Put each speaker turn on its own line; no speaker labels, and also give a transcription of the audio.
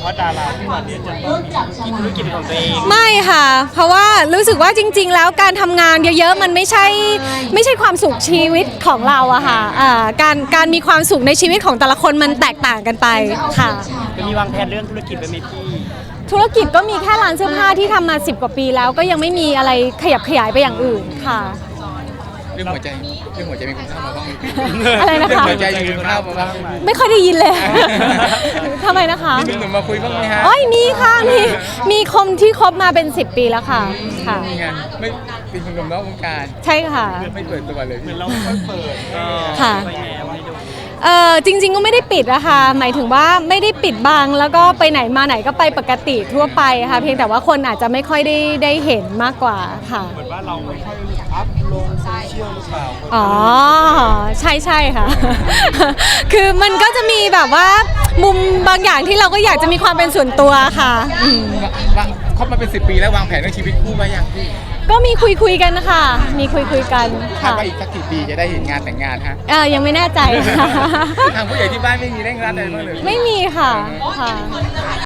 ว่าดาราทุกวันนี้จะต้องมีธุรกิจของตัวเอง
ไม่ค่ะเพราะว่ารู้สึกว่าจริงๆแล้วการทำงานเยอะๆมันไม่ใช่ความสุขชีวิตของเราอะค่ะการมีความสุขในชีวิตของแต่ละคนมันแตกต่างกันไปค่ะ
จะมีวางแผนเรื่องธุรกิจไว้ไหมพี่
ธุรกิจก็มีแค่ร้านเสื้อผ้าที่ทำมา10 กว่าปีแล้วก็ยังไม่มีอะไรขยับขยายไปอย่างอื่นค่ะ
เรื่องหัวใจมีคนเข้ามาบ้างไหม
อะไรนะคะ
เรื่องหัวใจมีคนเข้ามาบ้างไหม
ไม่ค่อยได้ยินเลย ทำไมนะคะ
มีหนุ่มมาคุยบ้างไหมฮะ
อ๋อมีค่ะมีคมที่คบมาเป็น10 ปีแล้วค่ะค่ะ
มีงานไม่เป็นคนหนุ่มนอกวงการ
ใช่ค่ะ
ไม่เปิดตัวเลย
เหมือนเราไม่เปิดก็
ค่ะ
ไปแนวให้ดู
จริงๆก็ไม่ได้ปิดอะค่ะหมายถึงว่าไม่ได้ปิดบังแล้วก็ไปไหนมาไหนก็ไปปกติทั่วไปค่ะเพียงแต่ว่าคนอาจจะไม่ค่อยได้เห็นมากกว่าค่ะ
เหมือนว่าเราไม่ค่อยอัพลงโซเชียลหรือเปล่า
อ๋อใช่ค่ะ คือมันก็จะมีแบบว่ามุมบางอย่างที่เราก็อยากจะมีความเป็นส่วนตัวค่ะ
ว่าคบมาเป็น10 ปีแล้ววางแผนเรื่องชีวิตคู่ไว้ยังพี่
ก็มีคุยกันนะคะมีคุยกัน
คาด
ค่ะ
ว่าอีกสักกี่ปีจะได้เห็นงานแต่งงานฮะ
ยังไม่แน่ใจค่ะ
ทางผู้ใหญ่ที่บ้านไม่มีเร่งรัดอะไรบ้างเลย
ไม่มีค่ะ